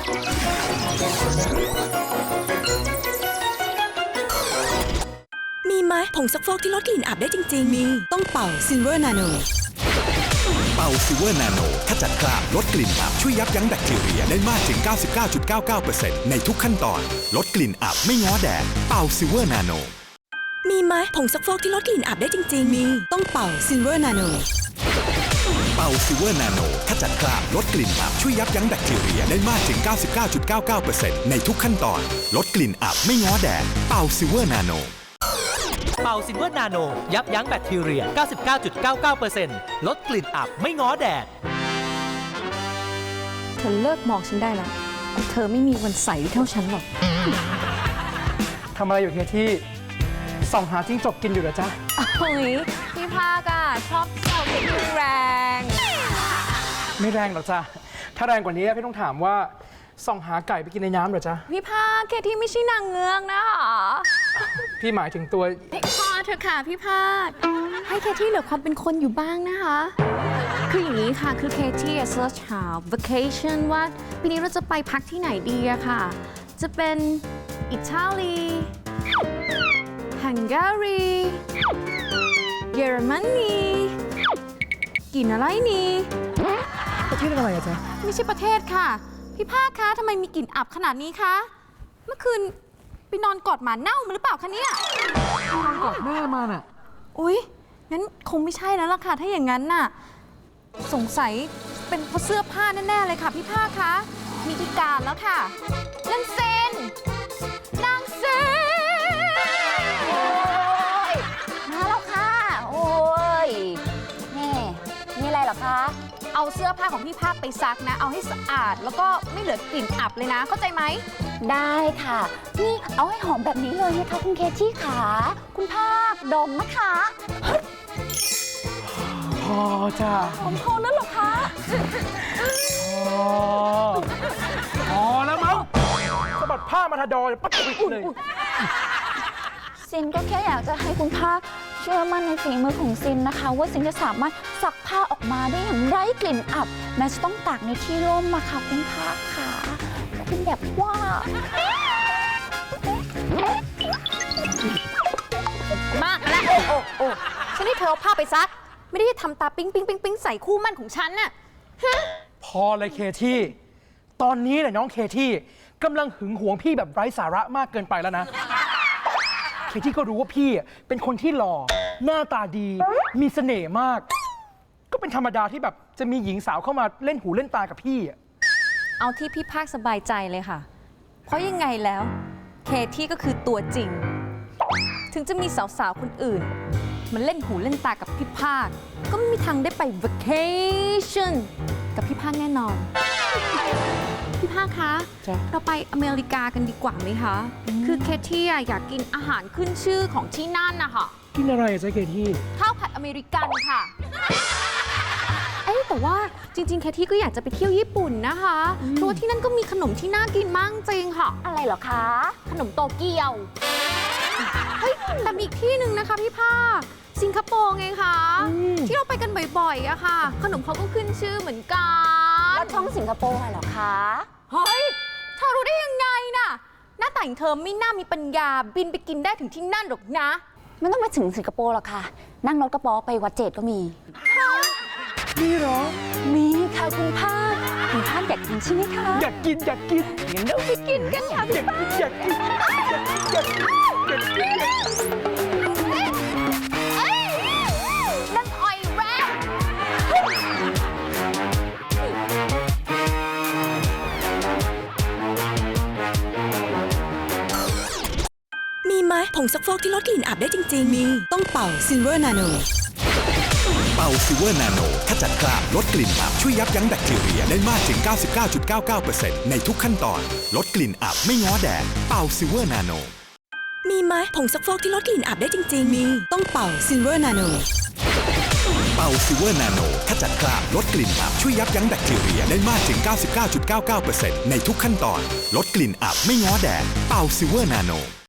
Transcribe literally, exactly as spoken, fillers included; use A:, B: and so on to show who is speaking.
A: มีไหมผงซักฟอกที่ลดกลิ่นอับได้จริงๆมีต้องเป่าซิลเวอร์นาโน
B: เป่าซิลเวอร์นาโนขจัดคราบลดกลิ่นอับช่วยยับยั้งแบคทีเรียได้มากถึง เก้าสิบเก้าจุดเก้าเก้าเปอร์เซ็นต์ ในทุกขั้นตอนลดกลิ่นอับไม่ง้อแดดเป่าซิลเวอร์นาโน
A: มีไหมผงซักฟอกที่ลดกลิ่นอับได้จริงๆมีต้องเป่าซิลเวอร์นาโน
B: เป่าซิลเวอร์นาโนขจัดคราบลดกลิ่นอับช่วยยับยั้งแบคทีเรียได้มากถึง เก้าสิบเก้าจุดเก้าเก้าเปอร์เซ็นต์ ในทุกขั้นตอนลดกลิ่นอับไม่ง้อแดดเป่าซิลเวอร์นาโน
C: เป่าซิลเวอร์นาโนยับยั้งแบคทีเรีย เก้าสิบเก้าจุดเก้าเก้าเปอร์เซ็นต์ ลดกลิ่นอับไม่ง้อแดด
D: เธอเลิกมองฉันได้แล้วเธอไม่มีวันใสเท่าฉันหรอก
E: ทำอะไรอยู่เคที่ส่องหาจิ้งจกกินอยู่เหรอจ๊ะ
D: โอ้ยพี่ภาคอะชอบเป่าเด็กแรง
E: ไม่แรงหรอกจ้ะถ้าแรงกว่านี้พี่ต้องถามว่าส่องหาไก่ไปกินในน้ำเหรอจ๊ะ
D: พี่ภาคเคที่ไม่ใช่นางเงือกนะคะ
E: พี่หมายถึงตัว
D: พอเธอค่ะพี่ภาคให้เคที่เหลือความเป็นคนอยู่บ้างนะคะคืออย่างนี้ค่ะคือเคที่เซิร์ชหา vacation ว่าปีนี้เราจะไปพักที่ไหนดีอะค่ะจะเป็นอิตาลีฮังการีเยอรมนีกินอะไรนี่
E: ประเทศอะไรอะจ๊ะ
D: ไม่ใช่ประเทศค่ะพี่ภาคคะทำไมมีกลิ่นอับขนาดนี้คะเมื่อคืนไปนอนกอดหมาเน่ามาหรือเปล่าคะเนี่ย
E: นอนกอดแม่มาน่ะ
D: อุ๊ยงั้นคงไม่ใช่แล้วล่ะค่ะถ้าอย่างนั้นน่ะสงสัยเป็นเพราะเสื้อผ้าแน่ๆเลยค่ะพี่ภาคคะมีพิการแล้วค่ะนางเซนนางเซน
F: โอ้ยมาแล้วค่ะโอ้ยแม่มีอะไรเหรอคะ
D: เอาเสื้อผ้าของพี่ภาคไปซักนะเอาให้สะอาดแล้วก็ไม่เหลือกลิ่นอับเลยนะเข้าใจไหม
F: ได้ค่ะนี่เอาให้หอมแบบนี้เลยนะคะคุณเคที่ขาคุณภาคดมนะคะ
E: พอจ้ะ
F: หอมพอแล้วหรอคะ
E: พอพอแล้วมั้งสะบัดผ้ามาทาดอยปั๊บปิ๊กเลย
F: ซินก็แค่อยากจะให้คุณภาคเชื่อมั่นในฝีมือของซินนะคะว่าซินจะสามารถซักผ้าออกมาได้อย่างไร้กลิ่นอับแม้จะต้องตากในที่ร่มมาค่ะคุณภาคค่ะคุณแบบว่
D: ามากแล้วโอ้โอ้โอ้ฉันให้เธอเอาผ้าไปซักไม่ได้ทำตาปิ๊งปิ๊งปิ๊งปิ๊งใส่คู่มั่นของฉันน่ะ
E: พอเลยเคที่ตอนนี้เนี่ยน้องเคที่กำลังหึงหวงพี่แบบไร้สาระมากเกินไปแล้วนะเคที่ก็รู้ว่าพี่เป็นคนที่หล่อหน้าตาดีมีเสน่ห์มากก็เป็นธรรมดาที่แบบจะมีหญิงสาวเข้ามาเล่นหูเล่นตากับพี่
D: เอาที่พี่ภาคสบายใจเลยค่ะเพราะยังไงแล้วเคที่ก็คือตัวจริงถึงจะมีสาวๆคนอื่นมันเล่นหูเล่นตากับพี่ภาคก็ไม่มีทางได้ไป vacation กับพี่ภาคแน่นอนพี่ภาคคะเราไปอเมริกากันดีกว่าไหมคะคือเคที่อยากกินอาหารขึ้นชื่อของที่นั่นนะคะ
E: กินอะไรจ๊ะเคที่
D: ข้าวผัดอเมริกันค่ะเอ้แต่ว่าจริงๆเคที่ก็อยากจะไปเที่ยวญี่ปุ่นนะคะเพราะว่าที่นั่นก็มีขนมที่น่ากินมากจริงค่ะ
F: อะไรเหรอคะ
D: ขนมโตเกียวเฮ้ยแต่มีอีกที่หนึ่งนะคะพี่ภาคสิงคโปร์ไงคะที่เราไปกันบ่อยๆอะค่ะขนมเขาก็ขึ้นชื่อเหมือนกัน
F: แล้วช่องสิงคโปร์เหรอคะ
D: เฮ้ยเธอรู้ได้ยังไงน่ะหน้าแต่งเธอไม่น่ามีปัญญาบินไปกินได้ถึงที่นั่นหรอกนะ
F: ไม่ต้องไปถึงสิงคโปร์หรอกค่ะนั่งรถกระป๋อไปวัดเจดก็มี
E: มีเหรอ
F: มีค่ะคุณภาคคุณภาคอยากกินใช่ไหมคะ
E: อยากกินอยากกิน
F: งั้นเราไปกินกันค่ะ
E: อยากกินอยากกินอยากกินอยากกิน
D: นั่นออยแรก
A: มีไหมผงซักฟอกที่ลดกลิ่นอับได้จริงๆมีต้องเป่าซิลเวอร์นาโน
B: เป่าซิลเวอร์นาโนขจัดคราบลดกลิ่นอับช่วยยับยั้งแบคทีเรียได้มากถึง เก้าสิบเก้าจุดเก้าเก้าเปอร์เซ็นต์ ในทุกขั้นตอนลดกลิ่นอับไม่ง้อแดดเป่าซิลเวอร์นาโน
A: มีไหมผงซักฟอกที่ลดกลิ่นอับได้จริงๆมีต้องเป่าซิลเวอร์นาโน
B: เป่าซิลเวอร์นาโนขจัดคราบลดกลิ่นอับช่วยยับยั้งแบคทีเรียได้มากถึง เก้าสิบเก้าจุดเก้าเก้าเปอร์เซ็นต์ ในทุกขั้นตอนลดกลิ่นอับไม่ง้อแดดเป่าซิลเวอร์นาโน